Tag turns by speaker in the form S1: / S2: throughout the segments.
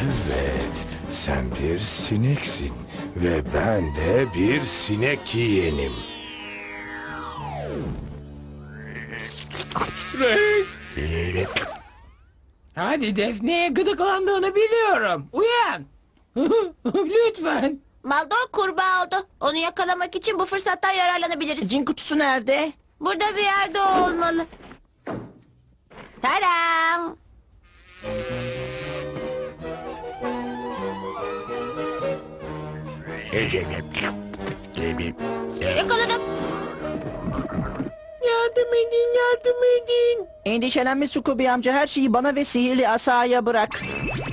S1: Evet, sen bir sineksin ve ben de bir sinek yiyenim.
S2: Hadi Defne'ye gıdıklandığını biliyorum. Uyan. Lütfen.
S3: Maldor kurbağa oldu. Onu yakalamak için bu fırsattan yararlanabiliriz.
S4: Cin kutusu nerede?
S3: Burada bir yerde olmalı. Tadam! Yakaladım.
S4: Yardım edin, yardım edin. Endişelenme Scooby amca, her şeyi bana ve sihirli asaya bırak.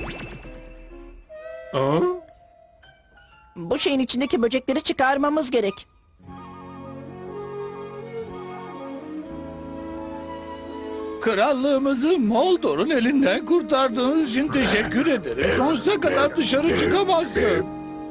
S4: Bu şeyin içindeki böcekleri çıkarmamız gerek.
S2: Krallığımızı Moldor'un elinden kurtardığınız için teşekkür ederim. Sonsuza kadar dışarı çıkamazsın.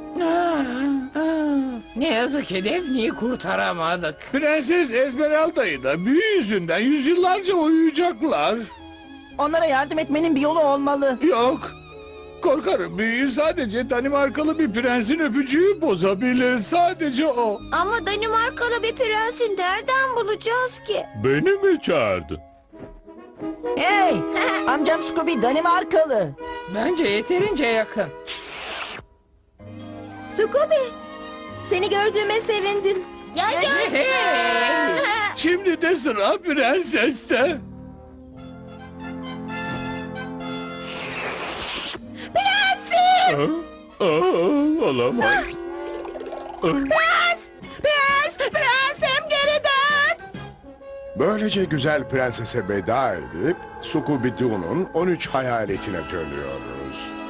S2: Ne yazık ki Defne'yi kurtaramadık. Prenses Esmeralda'yı da büyü yüzünden yüzyıllarca uyuyacaklar.
S4: Onlara yardım etmenin bir yolu olmalı.
S2: Yok. Korkarım büyüyü sadece Danimarkalı bir prensin öpücüğü bozabilir. Sadece o.
S3: Ama Danimarkalı bir prensi nereden bulacağız ki?
S5: Beni mi çağırdın?
S4: Hey! Amcam Scooby Danimarkalı.
S2: Bence yeterince yakın.
S3: Scooby, seni gördüğüme sevindim. Yaşasın!
S2: Şimdi de sıra prenseste.
S5: Olamaz.
S3: Prensim geri dön!
S6: Böylece güzel prensese veda edip Scooby-Doo'nun 13 hayaletine dönüyoruz.